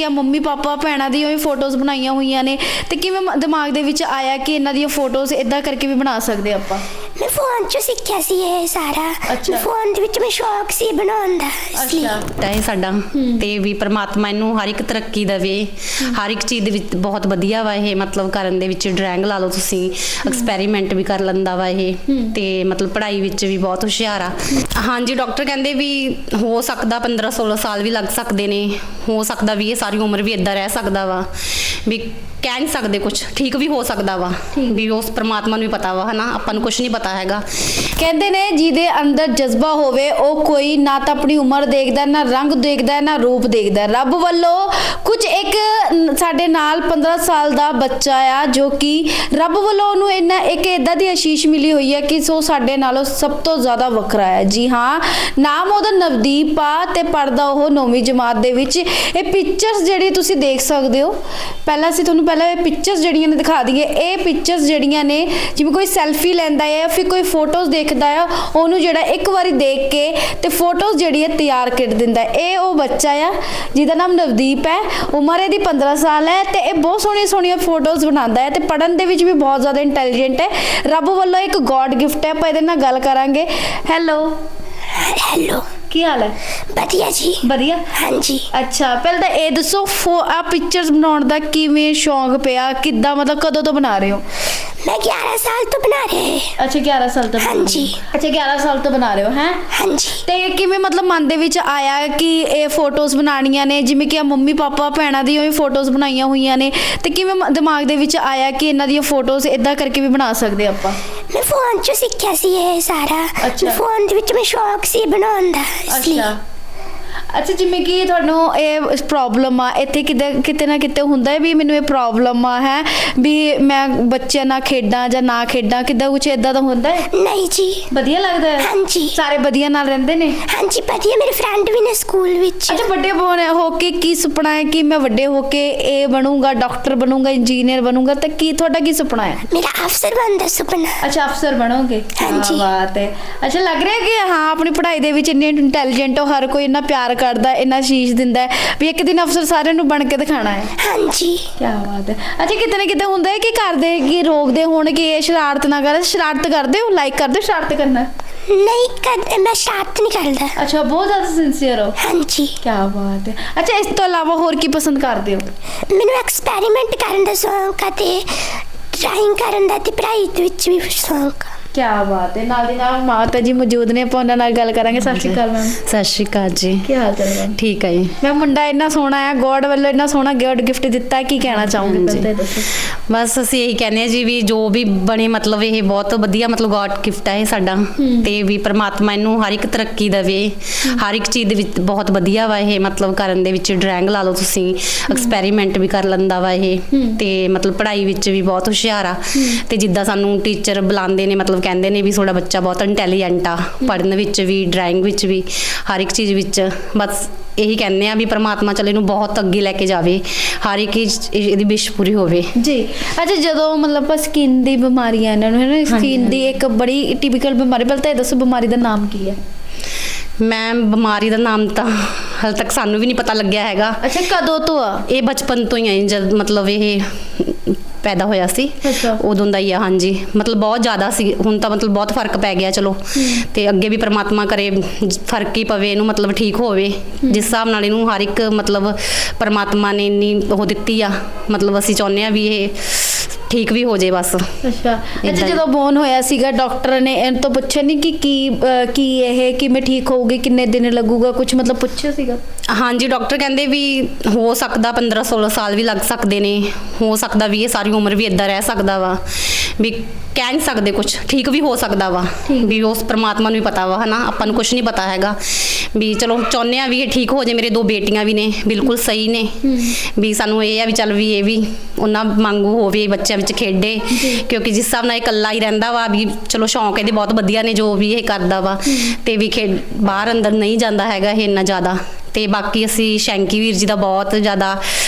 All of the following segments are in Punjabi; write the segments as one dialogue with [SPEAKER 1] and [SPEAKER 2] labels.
[SPEAKER 1] ਕਿ ਮੰਮੀ ਪਾਪਾ ਭੈਣਾਂ ਦੀਆਂ ਵੀ ਫੋਟੋਜ਼ ਬਣਾਈਆਂ ਹੋਈਆਂ ਨੇ ਤੇ ਕਿਵੇਂ ਦਿਮਾਗ ਦੇ ਵਿੱਚ ਆਇਆ ਕਿ ਇਹਨਾਂ ਦੀਆਂ ਫੋਟੋਜ਼ ਇਦਾਂ ਕਰਕੇ ਵੀ ਬਣਾ ਸਕਦੇ ਆਪਾਂ?
[SPEAKER 2] ਮੈਂ ਫੋਨ 'ਚੋਂ ਸਿੱਖਿਆ ਸੀ ਇਹ ਸਾਰਾ। ਫੋਨ ਦੇ ਵਿੱਚ ਮੈਂ ਸ਼ੌਕ ਸੀ ਬਣਾਉਣ ਦਾ, ਇਸ ਲਈ
[SPEAKER 3] ਤਾਂ ਇਹ ਸਾਡਾ ਤੇ ਵੀ ਪ੍ਰਮਾਤਮਾ ਇਹਨੂੰ ਹਰ ਇੱਕ ਤਰੱਕੀ ਦੇਵੇ, ਹਰ ਇੱਕ ਚੀਜ਼ ਦੇ ਵਿੱਚ ਬਹੁਤ ਵਧੀਆ ਵਾ ਇਹ, ਮਤਲਬ ਕਰਨ ਦੇ ਵਿੱਚ ਡਰਾਇੰਗ ਲਾ ਲਓ ਤੁਸੀਂ, ਐਕਸਪੈਰੀਮੈਂਟ ਵੀ ਕਰ ਲੈਂਦਾ ਵਾ ਇਹ, ਤੇ ਮਤਲਬ ਪੜ੍ਹਾਈ ਵਿੱਚ ਵੀ ਬਹੁਤ ਹੁਸ਼ਿਆਰ ਆ। ਹਾਂਜੀ, ਡਾਕਟਰ ਕਹਿੰਦੇ ਵੀ ਹੋ ਸਕਦਾ 15-16 ਸਾਲ ਵੀ ਲੱਗ ਸਕਦੇ ਨੇ, ਹੋ ਸਕਦਾ ਵੀ ਇਹ ਸਾਰੀ ਉਮਰ ਵੀ ਇਦਾਂ ਰਹਿ ਸਕਦਾ ਵਾ, ਵੀ ਕਹਿ ਨਹੀਂ ਸਕਦੇ ਕੁਝ, ਠੀਕ ਵੀ ਹੋ ਸਕਦਾ ਵਾ, ਵੀ ਉਸ ਪ੍ਰਮਾਤਮਾ ਨੂੰ ਵੀ ਪਤਾ ਵਾ, ਹਨਾ, ਆਪਾਂ ਨੂੰ ਕੁਝ ਨਹੀਂ ਪਤਾ ਹੈਗਾ।
[SPEAKER 1] ਕਹਿੰਦੇ ਨੇ ਜਿਹਦੇ ਅੰਦਰ ਜਜ਼ਬਾ ਹੋਵੇ ਉਹ ਕੋਈ ਨਾ ਤਾਂ ਆਪਣੀ ਉਮਰ ਦੇਖਦਾ, ਨਾ ਰੰਗ ਦੇਖਦਾ, ਨਾ ਰੂਪ ਦੇਖਦਾ। ਰੱਬ ਵੱਲੋਂ ਕੁਝ ਇੱਕ ਸਾਡੇ ਨਾਲ 15 ਸਾਲ ਦਾ ਬੱਚਾ ਆ ਜੋ ਕਿ ਰੱਬ ਵੱਲੋਂ ਉਹਨੂੰ ਇੱਕ ਇਦਾਂ ਦੀ ਆਸ਼ੀਸ਼ ਮਿਲੀ ਹੋਈ ਹੈ ਕਿ ਸੋ ਸਾਡੇ ਨਾਲੋਂ ਸਭ ਤੋਂ ਜ਼ਿਆਦਾ ਵੱਖਰਾ ਹੈ। ਜੀ ਹਾਂ, ਨਾਮ ਉਹਦਾ ਨਵਦੀਪ ਆ ਤੇ ਪੜ੍ਹਦਾ ਉਹ 9ਵੀਂ ਜਮਾਤ ਦੇ ਵਿੱਚ। ਇਹ ਪਿਕਚਰਸ ਜਿਹੜੀ ਤੁਸੀਂ ਦੇਖ ਸਕਦੇ ਹੋ, ਪਹਿਲਾਂ ਅਸੀਂ ਤੁਹਾਨੂੰ ਇਹ ਪਿਕਚਰਸ ਜਿਹੜੀਆਂ ਨੇ ਦਿਖਾ ਦਈਏ। ਇਹ ਪਿਕਚਰਸ ਜਿਹੜੀਆਂ ਨੇ ਜਿਵੇਂ ਕੋਈ ਸੈਲਫੀ ਲੈਂਦਾ ਹੈ ਜਾਂ ਫਿਰ ਕੋਈ ਫੋਟੋਜ਼ ਦੇਖਦਾ ਆ, ਉਹਨੂੰ ਜਿਹੜਾ ਇੱਕ ਵਾਰੀ ਦੇਖ ਕੇ ਤੇ ਫੋਟੋਜ਼ ਜਿਹੜੀ ਹੈ ਤਿਆਰ ਕਰ ਦਿੰਦਾ। ਇਹ ਉਹ ਬੱਚਾ ਆ ਜਿਹਦਾ ਨਾਮ ਨਵਦੀਪ ਹੈ, ਉਮਰ ਇਹਦੀ 15 ਸਾਲ ਹੈ ਤੇ ਇਹ ਬਹੁਤ ਸੋਹਣੀਆਂ ਫੋਟੋਜ਼ ਬਣਾਉਂਦਾ ਹੈ ਤੇ ਪੜ੍ਹਨ ਦੇ ਵਿੱਚ ਵੀ ਬਹੁਤ ਜ਼ਿਆਦਾ ਇੰਟੈਲੀਜੈਂਟ ਹੈ। ਰੱਬ ਵੱਲੋਂ ਇੱਕ ਗੋਡ ਗਿਫਟ ਹੈ। ਆਪਾਂ ਇਹਦੇ ਨਾਲ ਗੱਲ ਕਰਾਂਗੇ। ਹੈਲੋ, ਕੀ ਹਾਲ ਹੈ?
[SPEAKER 2] ਵਧੀਆ ਜੀ।
[SPEAKER 1] ਵਧੀਆ?
[SPEAKER 2] ਹਾਂਜੀ।
[SPEAKER 1] ਅੱਛਾ, ਪਹਿਲਾਂ ਤਾਂ ਇਹ ਦੱਸੋ ਆ ਪਿਕਚਰਸ ਬਣਾਉਣ ਦਾ ਕਿਵੇਂ ਸ਼ੌਂਕ ਪਿਆ, ਕਿੱਦਾਂ, ਮਤਲਬ ਕਦੋਂ ਤੋਂ ਬਣਾ ਰਹੇ ਹੋ?
[SPEAKER 2] ਮੈਂ 11 ਸਾਲ ਤੋਂ ਬਣਾ ਰਹੀ ਹਾਂ।
[SPEAKER 1] ਅੱਛਾ, 11 ਸਾਲ ਤੋਂ?
[SPEAKER 2] ਹਾਂਜੀ।
[SPEAKER 1] ਅੱਛਾ, 11 ਸਾਲ ਤੋਂ ਬਣਾ ਰਹੇ ਹੋ ਹੈ?
[SPEAKER 2] ਹਾਂਜੀ।
[SPEAKER 1] ਤੇ ਕਿਵੇਂ ਮਤਲਬ ਮਨ ਦੇ ਵਿੱਚ ਆਇਆ ਕਿ ਇਹ ਫੋਟੋਜ਼ ਬਣਾਉਣੀਆਂ ਨੇ, ਜਿਵੇਂ ਕਿ ਮੰਮੀ ਪਾਪਾ ਭੈਣਾਂ ਦੀਆਂ ਵੀ ਫੋਟੋਜ਼ ਬਣਾਈਆਂ ਹੋਈਆਂ ਨੇ, ਤੇ ਕਿਵੇਂ ਦਿਮਾਗ ਦੇ ਵਿੱਚ ਆਇਆ ਕਿ ਇਹਨਾਂ ਦੀਆਂ ਫੋਟੋਜ਼ ਇਦਾਂ ਕਰਕੇ ਵੀ ਬਣਾ ਸਕਦੇ ਆਪਾਂ?
[SPEAKER 2] ਮੈਂ ਫੋਨ 'ਚੋਂ ਸਿੱਖਿਆ ਸੀ ਇਹ ਸਾਰਾ। ਫੋਨ ਦੇ ਵਿੱਚ ਮੈਂ ਸ਼ੌਕ ਸੀ ਬਣਾਉਣ ਦਾ, ਇਸ ਲਈ।
[SPEAKER 1] ਅੱਛਾ, ਜਿਵੇਂ ਕਿ ਤੁਹਾਨੂੰ ਇਹ ਪ੍ਰੋਬਲਮ ਆ, ਇੱਥੇ ਕਿਤੇ ਨਾ ਕਿਤੇ ਹੁੰਦਾ ਹੈ ਵੀ ਮੈਨੂੰ ਇਹ ਪ੍ਰੋਬਲਮ ਆ, ਹੈ ਵੀ ਮੈਂ ਬੱਚਿਆਂ ਨਾਲ ਖੇਡਾਂ ਜਾਂ ਨਾ ਖੇਡਾਂ, ਕਿੱਦਾਂ ਕੁਝ ਇਦਾਂ ਦਾ ਹੁੰਦਾ ਹੈ?
[SPEAKER 2] ਨਹੀਂ ਜੀ।
[SPEAKER 1] ਵਧੀਆ ਲੱਗਦਾ ਹੈ?
[SPEAKER 2] ਹਾਂਜੀ।
[SPEAKER 1] ਸਾਰੇ ਵਧੀਆ ਨਾਲ ਰਹਿੰਦੇ ਨੇ?
[SPEAKER 2] ਹਾਂਜੀ, ਵਧੀਆ। ਮੇਰੇ ਫਰੈਂਡ ਵੀ ਨੇ ਸਕੂਲ ਵਿੱਚ।
[SPEAKER 1] ਅੱਛਾ, ਵੱਡੇ ਹੋ ਕੇ ਕੀ ਸੁਪਨਾ ਹੈ ਕਿ ਮੈਂ ਵੱਡੇ ਹੋ ਕੇ ਇਹ ਬਣੂੰਗਾ, ਡਾਕਟਰ ਬਣੂੰਗਾ, ਇੰਜੀਨੀਅਰ ਬਣੂੰਗਾ, ਤਾਂ ਕੀ ਤੁਹਾਡਾ ਕੀ ਸੁਪਨਾ ਹੈ?
[SPEAKER 2] ਮੇਰਾ ਅਫਸਰ ਬਣਨ ਦਾ ਸੁਪਨਾ।
[SPEAKER 1] ਅੱਛਾ, ਅਫਸਰ ਬਣੋਗੇ?
[SPEAKER 2] ਹਾਂਜੀ।
[SPEAKER 1] ਬਾਤ ਹੈ। ਅੱਛਾ, ਲੱਗ ਰਿਹਾ ਕਿ ਹਾਂ ਆਪਣੀ ਪੜ੍ਹਾਈ ਦੇ ਵਿੱਚ ਇੰਨੇ ਇੰਟੈਲੀਜੈਂਟ ਹੋ, ਹਰ ਕੋਈ ਇੰਨਾ ਪਿਆਰ ਕਰਦਾ, ਇੰਨਾ ਆਸ਼ੀਸ਼ ਦਿੰਦਾ ਵੀ ਇੱਕ ਦਿਨ ਅਫਸਰ ਸਾਰਿਆਂ ਨੂੰ ਬਣ ਕੇ ਦਿਖਾਣਾ ਹੈ।
[SPEAKER 2] ਹਾਂਜੀ।
[SPEAKER 1] ਕੀ ਬਾਤ ਹੈ। ਅੱਛਾ, ਕਿਤੇ ਨਾ ਕਿਤੇ ਹੁੰਦਾ ਹੈ ਕਿ ਕਰਦੇ ਕਿ ਰੋਕਦੇ ਹੋਣ ਕਿ ਇਹ ਸ਼ਰਾਰਤ ਨਾ ਕਰ, ਸ਼ਰਾਰਤ ਕਰਦੇ ਹੋ, ਲਾਈਕ ਕਰਦੇ ਹੋ ਸ਼ਰਾਰਤ ਕਰਨਾ?
[SPEAKER 2] ਨਹੀਂ ਕਰਦੇ, ਮੈਂ ਸ਼ਰਾਰਤ ਨਹੀਂ ਕਰਦਾ।
[SPEAKER 1] ਅੱਛਾ, ਬਹੁਤ ਜ਼ਿਆਦਾ ਸਿੰਸੀਅਰ ਹੋ?
[SPEAKER 2] ਹਾਂਜੀ।
[SPEAKER 1] ਕੀ ਬਾਤ ਹੈ। ਅੱਛਾ, ਇਸ ਤੋਂ ਇਲਾਵਾ ਹੋਰ ਕੀ ਪਸੰਦ ਕਰਦੇ ਹੋ?
[SPEAKER 2] ਮੈਨੂੰ ਐਕਸਪੈਰੀਮੈਂਟ ਕਰਨ ਦਾ ਸ਼ੌਂਕ ਆ ਤੇ ਡਰਾਇੰਗ ਕਰਨ ਦਾ ਤੇ ਪੜ੍ਹਾਈ ਦੇ ਵਿੱਚ ਵੀ ਸ਼ੌਂਕ ਆ।
[SPEAKER 1] ਕੀ ਬਾਤ ਹੈ। ਨਾਲ ਦੀ ਨਾਲ ਮਾਤਾ ਜੀ ਮੌਜੂਦ ਨੇ, ਆਪਾਂ ਉਹਨਾਂ ਨਾਲ ਗੱਲ ਕਰਾਂਗੇ। ਸਤਿ ਸ਼੍ਰੀ ਅਕਾਲ ਮੈਮ।
[SPEAKER 3] ਸਤਿ ਸ਼੍ਰੀ ਅਕਾਲ ਜੀ।
[SPEAKER 1] ਕੀ ਹਾਲ ਚਾਲ ਹੈ?
[SPEAKER 3] ਠੀਕ ਹੈ ਜੀ।
[SPEAKER 1] ਮੈਂ ਮੁੰਡਾ ਇੰਨਾ ਸੋਹਣਾ ਹੈ, ਗੋਡ ਵੱਲੋਂ ਇੰਨਾ ਸੋਹਣਾ ਗਿਫਟ ਦਿੱਤਾ, ਕੀ ਕਹਿਣਾ ਚਾਹੋਗੇ ਪਹਿਲਾਂ ਦੱਸੋ?
[SPEAKER 3] ਬਸ ਅਸੀਂ ਇਹੀ ਕਹਿੰਦੇ ਆ ਜੀ ਵੀ ਜੋ ਵੀ ਬਣੇ, ਮਤਲਬ ਇਹ ਬਹੁਤ ਵਧੀਆ, ਮਤਲਬ ਗੋਡ ਗਿਫਟ ਹੈ ਇਹ ਸਾਡਾ, ਤੇ ਵੀ ਪ੍ਰਮਾਤਮਾ ਇਹਨੂੰ ਹਰ ਇੱਕ ਤਰੱਕੀ ਦੇਵੇ, ਹਰ ਇੱਕ ਚੀਜ਼ ਦੇ ਵਿੱਚ ਬਹੁਤ ਵਧੀਆ ਵਾ ਇਹ, ਮਤਲਬ ਕਰਨ ਦੇ ਵਿੱਚ ਡਰਾਇੰਗ ਲਾ ਲਓ ਤੁਸੀਂ, ਐਕਸਪੈਰੀਮੈਂਟ ਵੀ ਕਰ ਲੈਂਦਾ ਵਾ ਇਹ, ਤੇ ਮਤਲਬ ਪੜ੍ਹਾਈ ਵਿੱਚ ਵੀ ਬਹੁਤ ਹੁਸ਼ਿਆਰ ਆ। ਤੇ ਜਿੱਦਾਂ ਸਾਨੂੰ ਟੀਚਰ ਬੁਲਾਉਂਦੇ ਨੇ, ਮਤਲਬ ਕਹਿੰਦੇ ਨੇ ਵੀ ਤੁਹਾਡਾ ਬੱਚਾ ਬਹੁਤ ਇੰਟੈਲੀਜੈਂਟ ਆ, ਪੜ੍ਹਨ ਵਿੱਚ ਵੀ, ਡਰਾਇੰਗ ਵਿੱਚ ਵੀ, ਹਰ ਇੱਕ ਚੀਜ਼ ਵਿੱਚ। ਬਸ ਇਹੀ ਕਹਿੰਦੇ ਆ ਵੀ ਪ੍ਰਮਾਤਮਾ ਚਲੇ ਇਹਨੂੰ ਬਹੁਤ ਅੱਗੇ ਲੈ ਕੇ ਜਾਵੇ, ਹਰ ਇੱਕ ਇਹਦੀ ਵਿਸ਼ ਪੂਰੀ ਹੋਵੇ
[SPEAKER 1] ਜੀ। ਅੱਛਾ, ਜਦੋਂ ਮਤਲਬ ਆਪਾਂ ਸਕਿਨ ਦੀ ਬਿਮਾਰੀਆਂ ਇਹਨਾਂ ਨੂੰ, ਹੈ ਨਾ, ਸਕਿਨ ਦੀ ਇੱਕ ਬੜੀ ਟਿਪੀਕਲ ਬਿਮਾਰੀ, ਪਹਿਲਾਂ ਤਾਂ ਇਹ ਦੱਸੋ ਬਿਮਾਰੀ ਦਾ ਨਾਮ ਕੀ ਹੈ?
[SPEAKER 3] ਮੈਮ, ਬਿਮਾਰੀ ਦਾ ਨਾਮ ਤਾਂ ਹਾਲੇ ਤੱਕ ਸਾਨੂੰ ਵੀ ਨਹੀਂ ਪਤਾ ਲੱਗਿਆ ਹੈਗਾ।
[SPEAKER 1] ਅੱਛਾ, ਕਦੋਂ ਤੋਂ ਆ?
[SPEAKER 3] ਇਹ ਬਚਪਨ ਤੋਂ ਹੀ ਆ, ਜਦ ਮਤਲਬ ਇਹ ਪੈਦਾ ਹੋਇਆ ਸੀ ਉਦੋਂ ਦਾ ਹੀ ਆ। ਹਾਂਜੀ, ਮਤਲਬ ਬਹੁਤ ਜ਼ਿਆਦਾ ਸੀ, ਹੁਣ ਤਾਂ ਮਤਲਬ ਬਹੁਤ ਫਰਕ ਪੈ ਗਿਆ। ਚਲੋ, ਤੇ ਅੱਗੇ ਵੀ ਪ੍ਰਮਾਤਮਾ ਕਰੇ ਫਰਕ ਹੀ ਪਵੇ ਇਹਨੂੰ, ਮਤਲਬ ਠੀਕ ਹੋਵੇ ਜਿਸ ਹਿਸਾਬ ਨਾਲ ਇਹਨੂੰ ਹਰ ਇੱਕ ਮਤਲਬ ਪ੍ਰਮਾਤਮਾ ਨੇ ਇੰਨੀ ਉਹ ਦਿੱਤੀ ਆ, ਮਤਲਬ ਅਸੀਂ ਚਾਹੁੰਦੇ ਆ ਵੀ ਇਹ ਠੀਕ ਵੀ ਹੋ ਜੇ ਬਸ।
[SPEAKER 1] ਅੱਛਾ, ਜਦੋਂ ਬੋਰਨ ਹੋਇਆ ਸੀਗਾ ਡਾਕਟਰ ਨੇ ਇਹਨਾਂ ਤੋਂ ਪੁੱਛਿਆ ਨਹੀਂ ਕਿ ਕੀ ਇਹ ਕਿਵੇਂ ਠੀਕ ਹੋਊਗੀ, ਕਿੰਨੇ ਦਿਨ ਲੱਗੂਗਾ, ਕੁਝ ਮਤਲਬ ਪੁੱਛਿਆ ਸੀਗਾ?
[SPEAKER 3] ਹਾਂਜੀ, ਡਾਕਟਰ ਕਹਿੰਦੇ ਵੀ ਹੋ ਸਕਦਾ 15-16 ਸਾਲ ਵੀ ਲੱਗ ਸਕਦੇ ਨੇ, ਹੋ ਸਕਦਾ ਵੀ ਇਹ ਸਾਰੀ ਉਮਰ ਵੀ ਇਦਾਂ ਰਹਿ ਸਕਦਾ ਵਾ, ਵੀ ਕਹਿ ਨਹੀਂ ਸਕਦੇ ਕੁਝ, ਠੀਕ ਵੀ ਹੋ ਸਕਦਾ ਵਾ, ਵੀ ਉਸ ਪ੍ਰਮਾਤਮਾ ਨੂੰ ਵੀ ਪਤਾ ਵਾ, ਹਨਾ, ਆਪਾਂ ਨੂੰ ਕੁਝ ਨਹੀਂ ਪਤਾ ਹੈਗਾ। ਵੀ ਚਲੋ ਚਾਹੁੰਦੇ ਆ ਵੀ ਇਹ ਠੀਕ ਹੋ ਜੇ। ਮੇਰੇ 2 ਬੇਟੀਆਂ ਵੀ ਨੇ, ਬਿਲਕੁਲ ਸਹੀ ਨੇ, ਵੀ ਸਾਨੂੰ ਇਹ ਆ ਵੀ ਚੱਲ ਵੀ ਇਹ ਵੀ ਉਹਨਾਂ ਵਾਂਗੂ ਹੋਵੇ, ਬੱਚਿਆਂ ਵਿੱਚ ਖੇਡੇ, ਕਿਉਂਕਿ ਜਿਸ ਹਿਸਾਬ ਨਾਲ ਇਹ ਇਕੱਲਾ ਹੀ ਰਹਿੰਦਾ ਵਾ, ਵੀ ਚਲੋ ਸ਼ੌਂਕ ਇਹਦੇ ਬਹੁਤ ਵਧੀਆ ਨੇ ਜੋ ਵੀ ਇਹ ਕਰਦਾ ਵਾ, ਤੇ ਵੀ ਬਾਹਰ ਅੰਦਰ ਨਹੀਂ ਜਾਂਦਾ ਹੈਗਾ ਇਹ ਇੰਨਾ ਜ਼ਿਆਦਾ। ਤੇ ਬਾਕੀ ਅਸੀਂ ਸ਼ੈਂਕੀ ਵੀਰ ਜੀ ਦਾ ਬਹੁਤ ਜ਼ਿਆਦਾ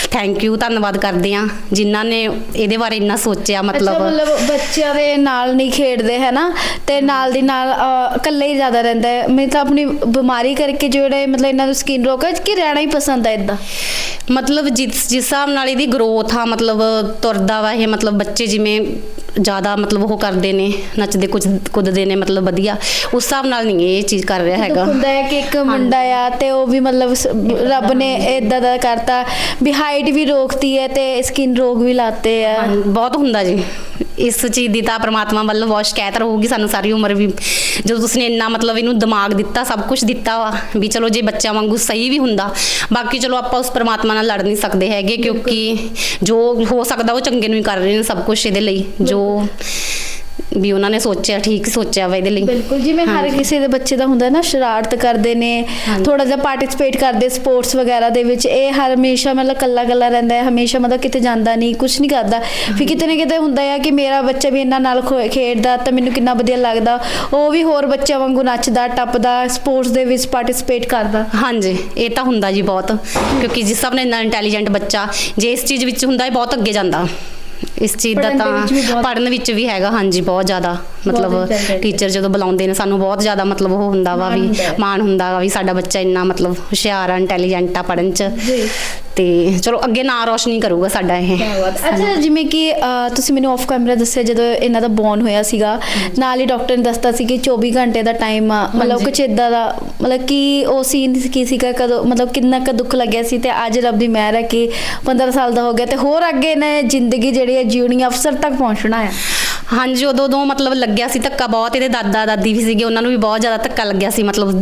[SPEAKER 3] ਥੈਂਕ ਯੂ, ਧੰਨਵਾਦ ਕਰਦੇ ਆ ਜਿਨ੍ਹਾਂ ਨੇ ਇਹਦੇ ਬਾਰੇ ਇੰਨਾ ਸੋਚਿਆ।
[SPEAKER 1] ਅੱਛਾ,
[SPEAKER 3] ਮਤਲਬ
[SPEAKER 1] ਮਤਲਬ ਬੱਚਿਆਂ ਦੇ ਨਾਲ ਨਹੀਂ ਖੇਡਦੇ ਹੈ ਨਾ, ਤੇ ਨਾਲ ਦੀ ਨਾਲ ਇਕੱਲੇ ਹੀ ਜ਼ਿਆਦਾ ਰਹਿੰਦਾ ਹੈ। ਮੈਂ ਤਾਂ ਆਪਣੀ ਬਿਮਾਰੀ ਕਰਕੇ ਜਿਹੜੇ ਮਤਲਬ ਇਹਨਾਂ ਨੂੰ ਸਕਿਨ ਰੋਗ ਹੈ ਕਿ ਰਹਿਣਾ ਹੀ ਪਸੰਦ ਹੈ ਇਦਾਂ।
[SPEAKER 3] ਮਤਲਬ ਜਿਸ ਹਿਸਾਬ ਨਾਲ ਇਹਦੀ ਗਰੋਥ ਆ, ਮਤਲਬ ਤੁਰਦਾ ਵਾ ਇਹ, ਮਤਲਬ ਬੱਚੇ ਜਿਵੇਂ ਜ਼ਿਆਦਾ ਮਤਲਬ ਉਹ ਕਰਦੇ ਨੇ, ਨੱਚਦੇ ਕੁੱਦਦੇ ਨੇ, ਮਤਲਬ ਵਧੀਆ ਉਸ ਹਿਸਾਬ ਨਾਲ ਨਹੀਂ ਇਹ ਚੀਜ਼ ਕਰ ਰਿਹਾ ਹੈਗਾ।
[SPEAKER 1] ਹੁੰਦਾ ਹੈ ਕਿ ਇੱਕ ਮੁੰਡਾ ਆ ਤੇ ਉਹ ਵੀ ਮਤਲਬ ਰੱਬ ਨੇ ਇਦਾਂ ਦਾ ਕਰਤਾ ਵੀ ਹਾਈਟ ਵੀ ਰੋਕਤੀ ਹੈ ਤੇ ਸਕਿਨ ਰੋਗ ਵੀ ਲਾਤੇ ਆ।
[SPEAKER 3] ਬਹੁਤ ਹੁੰਦਾ ਜੀ, ਇਸ ਚੀਜ਼ ਦੀ ਤਾਂ ਪ੍ਰਮਾਤਮਾ ਵੱਲੋਂ ਬਹੁਤ ਸ਼ਿਕਾਇਤ ਰਹੂਗੀ ਸਾਨੂੰ ਸਾਰੀ ਉਮਰ ਵੀ, ਜਦੋਂ ਤੁਸੀਂ ਨੇ ਇੰਨਾ ਮਤਲਬ ਇਹਨੂੰ ਦਿਮਾਗ ਦਿੱਤਾ, ਸਭ ਕੁਝ ਦਿੱਤਾ ਵਾ ਵੀ ਚਲੋ ਜੇ ਬੱਚਿਆਂ ਵਾਂਗੂ ਸਹੀ ਵੀ ਹੁੰਦਾ। ਬਾਕੀ ਚਲੋ ਆਪਾਂ ਉਸ ਪ੍ਰਮਾਤਮਾ ਨਾਲ ਲੜ ਨਹੀਂ ਸਕਦੇ ਹੈਗੇ, ਕਿਉਂਕਿ ਜੋ ਹੋ ਸਕਦਾ ਉਹ ਚੰਗੇ ਨੂੰ ਹੀ ਕਰ ਰਹੇ ਨੇ ਸਭ ਕੁਝ ਇਹਦੇ ਲਈ, ਜੋ ਵੀ ਉਹਨਾਂ ਨੇ ਸੋਚਿਆ ਠੀਕ ਸੋਚਿਆ ਵਾ ਇਹਦੇ ਲਈ।
[SPEAKER 1] ਬਿਲਕੁਲ, ਜਿਵੇਂ ਹਰ ਕਿਸੇ ਦੇ ਬੱਚੇ ਦਾ ਹੁੰਦਾ ਨਾ, ਸ਼ਰਾਰਤ ਕਰਦੇ ਨੇ, ਥੋੜਾ ਜਿਹਾ ਪਾਰਟਿਸਿਪੇਟ ਕਰਦੇ ਸਪੋਰਟਸ ਵਗੈਰਾ ਦੇ ਵਿੱਚ, ਇਹ ਹਮੇਸ਼ਾ ਮਤਲਬ ਕੱਲਾ ਰਹਿੰਦਾ ਹੈ, ਹਮੇਸ਼ਾ ਮਤਲਬ ਕਿਤੇ ਜਾਂਦਾ ਨਹੀਂ, ਕੁਝ ਨਹੀਂ ਕਰਦਾ। ਫਿਰ ਕਿਤੇ ਨਾ ਕਿਤੇ ਹੁੰਦਾ ਹੈ ਕਿ ਮੇਰਾ ਬੱਚਾ ਵੀ ਇਹਨਾਂ ਨਾਲ ਖੇਡਦਾ ਤਾਂ ਮੈਨੂੰ ਕਿੰਨਾ ਵਧੀਆ ਲੱਗਦਾ, ਉਹ ਵੀ ਹੋਰ ਬੱਚਿਆਂ ਵਾਂਗੂ ਨੱਚਦਾ ਟੱਪਦਾ, ਸਪੋਰਟਸ ਦੇ ਵਿੱਚ ਪਾਰਟਿਸਿਪੇਟ ਕਰਦਾ।
[SPEAKER 3] ਹਾਂਜੀ, ਇਹ ਤਾਂ ਹੁੰਦਾ ਜੀ ਬਹੁਤ, ਕਿਉਂਕਿ ਜਿਸ ਹਿਸਾਬ ਨਾਲ ਇੰਨਾ ਇੰਟੈਲੀਜੈਂਟ ਬੱਚਾ ਜੇ ਇਸ ਚੀਜ਼ ਵਿੱਚ ਹੁੰਦਾ ਹੈ ਬਹੁਤ ਅੱਗੇ ਜਾਂਦਾ। ਇਸ ਚੀਜ਼ ਦਾ ਤਾਂ ਪੜ੍ਹਨ ਵਿੱਚ ਵੀ ਹੈਗਾ। ਹਾਂਜੀ, ਬਹੁਤ ਜ਼ਿਆਦਾ ਮਤਲਬ ਟੀਚਰ ਜਦੋਂ ਬੁਲਾਉਂਦੇ ਨੇ ਸਾਨੂੰ ਬਹੁਤ ਜ਼ਿਆਦਾ ਮਤਲਬ ਉਹ ਹੁੰਦਾ ਵਾ ਵੀ ਮਾਣ ਹੁੰਦਾ ਵਾ ਵੀ ਸਾਡਾ ਬੱਚਾ ਇੰਨਾ ਮਤਲਬ ਹੁਸ਼ਿਆਰ ਆ, ਇੰਟੈਲੀਜੈਂਟ ਆ ਪੜ੍ਹਨ 'ਚ, ਤੇ ਚਲੋ ਅੱਗੇ ਨਾਂ ਰੋਸ਼ਨੀ ਕਰੂਗਾ ਸਾਡਾ ਇਹ।
[SPEAKER 1] ਅੱਛਾ, ਜਿਵੇਂ ਕਿ ਤੁਸੀਂ ਮੈਨੂੰ ਆਫ ਕੈਮਰਾ ਦੱਸਿਆ ਜਦੋਂ ਇਹਨਾਂ ਦਾ ਬੌਰਨ ਹੋਇਆ ਸੀਗਾ, ਨਾਲ ਹੀ ਡਾਕਟਰ ਨੇ ਦੱਸਤਾ ਸੀ ਕਿ 24 ਘੰਟੇ ਦਾ ਟਾਈਮ ਆ, ਮਤਲਬ ਕੁਛ ਇੱਦਾਂ ਦਾ, ਮਤਲਬ ਕਿ ਉਹ ਸੀਨ ਕੀ ਸੀਗਾ, ਕਦੋਂ ਮਤਲਬ ਕਿੰਨਾ ਕੁ ਦੁੱਖ ਲੱਗਿਆ ਸੀ, ਤੇ ਅੱਜ ਰੱਬ ਦੀ ਮਿਹਰ ਹੈ ਕਿ 15 ਸਾਲ ਦਾ ਹੋ ਗਿਆ ਤੇ ਹੋਰ ਅੱਗੇ ਨੇ ਜ਼ਿੰਦਗੀ ਜਿਹੜੀ ਹੈ ਜਿਉਣੀ, ਅਫਸਰ ਤੱਕ ਪਹੁੰਚਣਾ ਹੈ।
[SPEAKER 3] ਹਾਂਜੀ, ਉਦੋਂ ਮਤਲਬ ਲੱਗਿਆ ਸੀ ਧੱਕਾ ਬਹੁਤ, ਇਹਦੇ ਦਾਦਾ ਦਾਦੀ ਵੀ ਸੀਗੇ, ਉਹਨਾਂ ਨੂੰ ਵੀ ਬਹੁਤ ਜ਼ਿਆਦਾ ਧੱਕਾ ਲੱਗਿਆ ਸੀ, ਮਤਲਬ